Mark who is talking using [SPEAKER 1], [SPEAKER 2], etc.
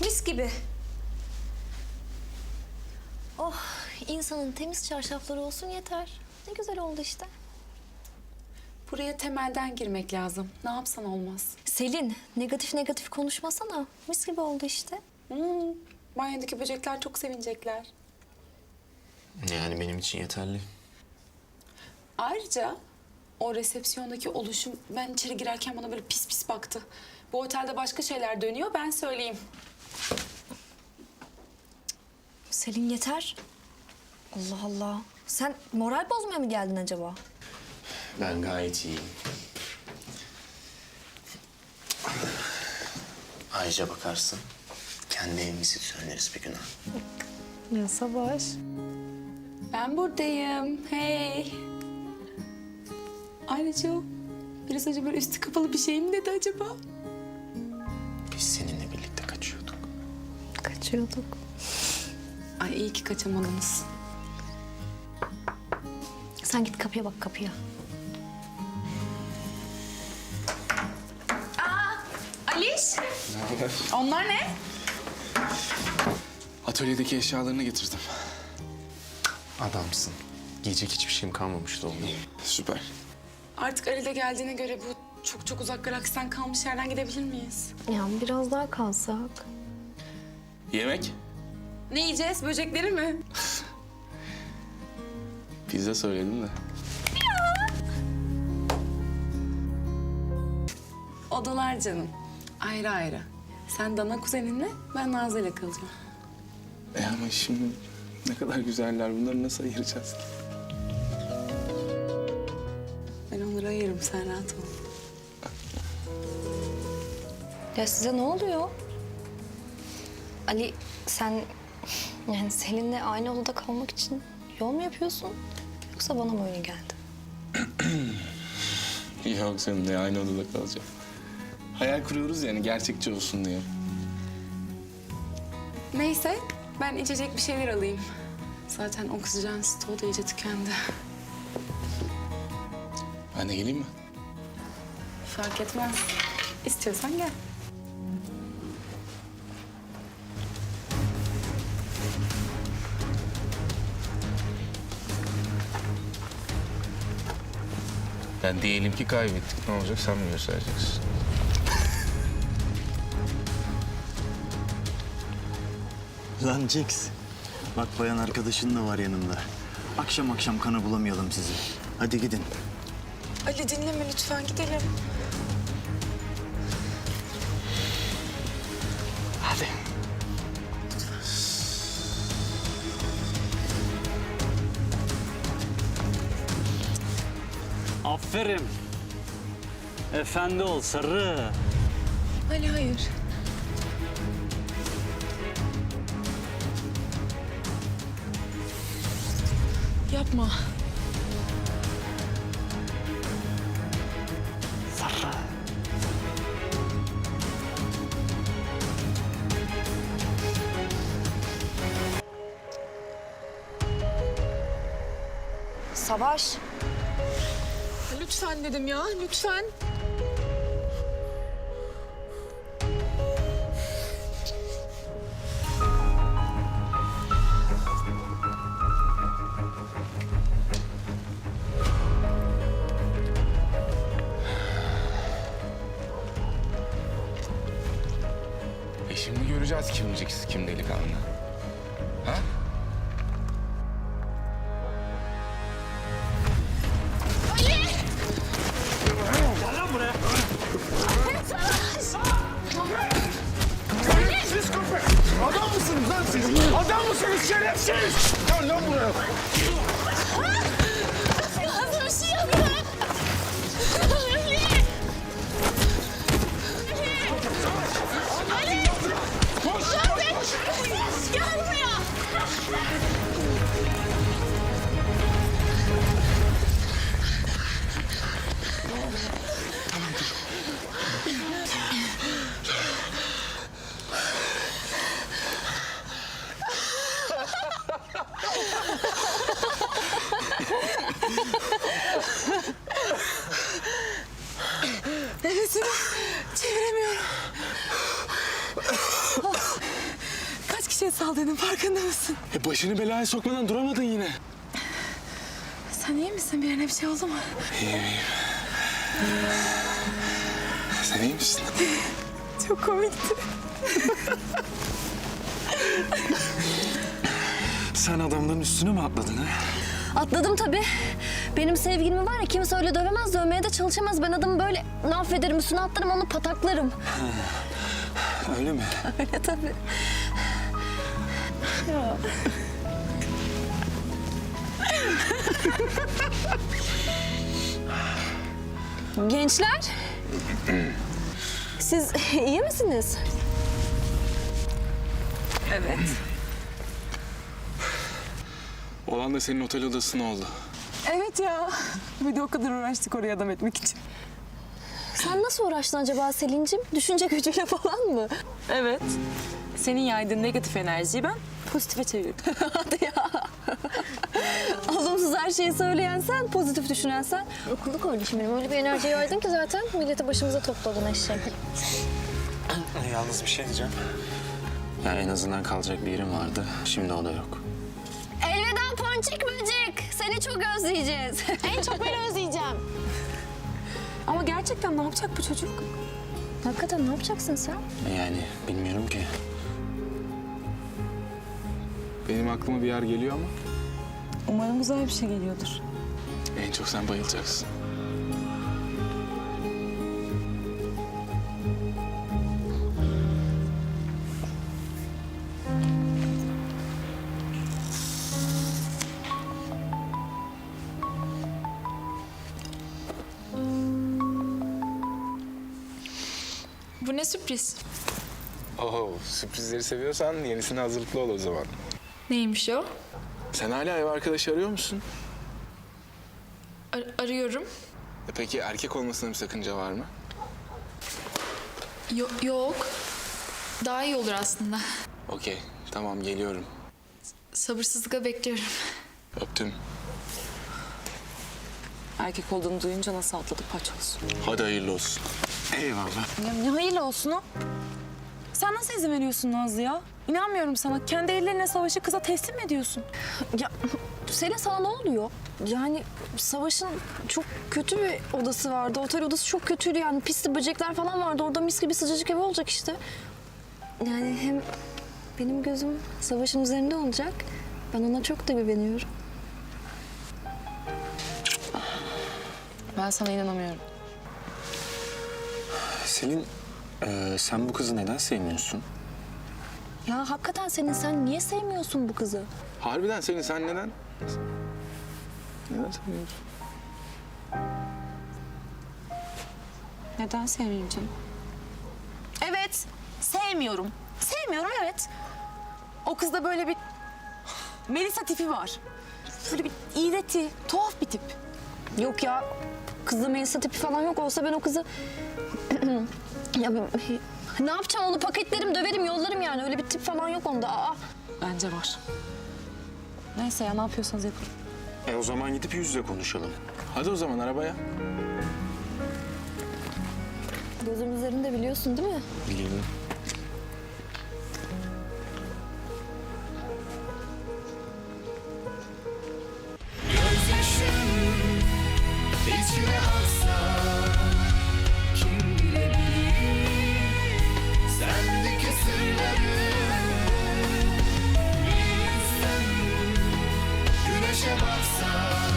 [SPEAKER 1] Mis gibi. Oh, insanın temiz çarşafları olsun yeter. Ne güzel oldu işte.
[SPEAKER 2] Buraya temelden girmek lazım. Ne yapsan olmaz.
[SPEAKER 1] Selin, negatif negatif konuşmasana. Mis gibi oldu işte.
[SPEAKER 2] Banyodaki böcekler çok sevinecekler.
[SPEAKER 3] Yani benim için yeterli.
[SPEAKER 2] Ayrıca o resepsiyondaki oluşum ben içeri girerken bana böyle pis pis baktı. Bu otelde başka şeyler dönüyor, ben söyleyeyim.
[SPEAKER 1] Selin yeter. Allah Allah. Sen moral bozmaya mı geldin acaba?
[SPEAKER 3] Ben gayet iyiyim. Ayrıca bakarsın, kendi evimizi söyleriz bir gün.
[SPEAKER 1] Ya Savaş.
[SPEAKER 2] Ben buradayım. Hey. Ayrıca o biraz önce böyle üstü kapalı bir şey mi dedi acaba?
[SPEAKER 3] Biz seninle birlikte kaçıyorduk.
[SPEAKER 1] Kaçıyorduk.
[SPEAKER 2] Ay iyi ki kaçamadınız.
[SPEAKER 1] Sen git kapıya bak kapıya.
[SPEAKER 2] Aliş,
[SPEAKER 4] Ne haber?
[SPEAKER 2] onlar ne?
[SPEAKER 4] Atölyedeki eşyalarını getirdim.
[SPEAKER 3] Adamsın. Giyecek hiçbir şeyim kalmamıştı oğlum.
[SPEAKER 4] Süper.
[SPEAKER 2] Artık Ali de geldiğine göre bu çok uzak galaksiden kalmış yerden gidebilir miyiz?
[SPEAKER 1] Ya biraz daha kalsak.
[SPEAKER 4] Yemek?
[SPEAKER 2] Ne yiyeceğiz? Böcekleri mi?
[SPEAKER 4] Pizza söyledim de.
[SPEAKER 2] Odalar canım. Ayrı ayrı. Sen Dana kuzeninle, ben Nazlı ile kalacağım.
[SPEAKER 4] Ama şimdi ne kadar güzeller. Bunları nasıl ayıracağız ki?
[SPEAKER 2] Ben onları ayırırım, sen rahat ol.
[SPEAKER 1] Ya size ne oluyor? Ali sen yani Selin'le aynı odada kalmak için yol mu yapıyorsun? Yoksa bana mı öyle geldi?
[SPEAKER 4] Yok seninle aynı odada kalacağım. Hayal kuruyoruz yani gerçekçi olsun diye.
[SPEAKER 2] Neyse, ben içecek bir şeyler alayım. Zaten oksijen stoğu da iyice tükendi.
[SPEAKER 4] Ben de geleyim mi?
[SPEAKER 2] Fark etmez. İstiyorsan gel.
[SPEAKER 4] Ben diyelim ki kaybettik. Ne olacak sen mi göstereceksin?
[SPEAKER 5] Lan Jax, bak bayan arkadaşın da var yanında. Akşam akşam kana bulamayalım sizi. Hadi gidin.
[SPEAKER 2] Ali dinleme lütfen, gidelim.
[SPEAKER 5] Hadi.
[SPEAKER 6] Aferin. Efendi ol sarı.
[SPEAKER 2] Ali hayır. Yapma.
[SPEAKER 6] Sarı.
[SPEAKER 1] Savaş.
[SPEAKER 2] Lütfen dedim ya, lütfen.
[SPEAKER 4] Şimdi göreceğiz kim Jax, kim delikanlı. Ha?
[SPEAKER 7] Adam mısınız lan siz? Adam mısınız şerefsiz? Gel lan buraya.
[SPEAKER 8] Nasıl bir şey yapıyor? Ali!
[SPEAKER 7] Koş, koş, koş.
[SPEAKER 8] Gel buraya!
[SPEAKER 2] şey saldığının farkında mısın?
[SPEAKER 4] Başını belaya sokmadan duramadın yine.
[SPEAKER 2] Sen iyi misin? Birine bir şey oldu mu?
[SPEAKER 4] Sen iyi misin?
[SPEAKER 2] Çok komikti.
[SPEAKER 4] Sen adamların üstüne mi atladın ha?
[SPEAKER 1] Atladım tabii. Benim sevgilimi var ya kimse öyle dövemez, dövmeye de çalışamaz. Ben adamı böyle affederim, üstüne atlarım, onu pataklarım.
[SPEAKER 4] Öyle mi?
[SPEAKER 1] Öyle tabii. Gençler, siz iyi misiniz?
[SPEAKER 4] Olan da senin otel odasına oldu.
[SPEAKER 2] Evet ya. Bir de o kadar uğraştık oraya adam etmek için.
[SPEAKER 1] Sen nasıl uğraştın acaba Selin'cim? Düşünce gücüyle falan mı?
[SPEAKER 2] Evet. Senin yaydığın negatif enerjiyi ben pozitife çevirdim.
[SPEAKER 1] Hadi ya. Olumsuz her şeyi söyleyen sen, pozitif düşünen sen. Okullu kardeşim benim. Öyle bir enerji yaydın ki zaten milleti başımıza topladın eşek.
[SPEAKER 3] Yalnız bir şey diyeceğim. Ya en azından kalacak bir yerim vardı. Şimdi o da yok.
[SPEAKER 1] Elveda ponçik böcek. Seni çok özleyeceğiz.
[SPEAKER 8] En çok ben özleyeceğim.
[SPEAKER 2] Ama gerçekten ne yapacak bu çocuk?
[SPEAKER 1] Hakikaten ne yapacaksın sen?
[SPEAKER 3] Yani bilmiyorum ki.
[SPEAKER 4] Benim aklıma bir yer geliyor ama
[SPEAKER 2] Umarım güzel bir şey geliyordur.
[SPEAKER 4] en çok sen bayılacaksın.
[SPEAKER 8] Bu ne sürpriz?
[SPEAKER 4] Oo, sürprizleri seviyorsan yenisine hazırlıklı ol o zaman.
[SPEAKER 8] Neymiş o?
[SPEAKER 4] Sen hala ev arkadaşı arıyor musun?
[SPEAKER 8] Arıyorum.
[SPEAKER 4] Peki erkek olmasına bir sakınca var mı?
[SPEAKER 8] Yok. Daha iyi olur aslında.
[SPEAKER 4] Okey, tamam geliyorum.
[SPEAKER 8] Sabırsızlıkla bekliyorum.
[SPEAKER 4] Öptüm.
[SPEAKER 2] Erkek olduğunu duyunca nasıl atladı paçoz.
[SPEAKER 4] Hadi hayırlı olsun.
[SPEAKER 3] Eyvallah.
[SPEAKER 2] Ya ne hayırlı olsun o? Sen nasıl izin veriyorsun Nazlı ya? İnanmıyorum sana. Kendi ellerine savaşı kıza teslim mi ediyorsun?
[SPEAKER 1] Ya Selin sana ne oluyor? Yani Savaş'ın çok kötü bir odası vardı. Otel odası çok kötüydü yani. Pisli böcekler falan vardı. Orada mis gibi sıcacık ev olacak işte. Yani hem benim gözüm Savaş'ın üzerinde olacak. Ben ona çok da güveniyorum.
[SPEAKER 2] Ben sana inanamıyorum.
[SPEAKER 3] Selin, sen bu kızı neden sevmiyorsun?
[SPEAKER 1] Ya hakikaten sen niye sevmiyorsun bu kızı?
[SPEAKER 4] Harbiden sen neden? Neden sevmiyorsun?
[SPEAKER 2] Neden sevmeyeyim canım? Evet, sevmiyorum. Sevmiyorum evet. O kızda böyle bir Melisa tipi var. Böyle bir iğreti, tuhaf bir tip.
[SPEAKER 1] Yok ya. Kızda Melisa tipi falan yok. Olsa ben o kızı... ne yapacağım onu paketlerim, döverim, yollarım yani. Öyle bir tip falan yok onda. Aa.
[SPEAKER 2] Bence var. Neyse ya ne yapıyorsanız yapın.
[SPEAKER 3] O zaman gidip yüz yüze konuşalım.
[SPEAKER 4] Hadi o zaman arabaya.
[SPEAKER 1] Gözüm üzerinde biliyorsun değil mi?
[SPEAKER 3] Biliyorum.
[SPEAKER 9] İçine aksa kim bilebilir sendeki sırları bir insan güneşe baksa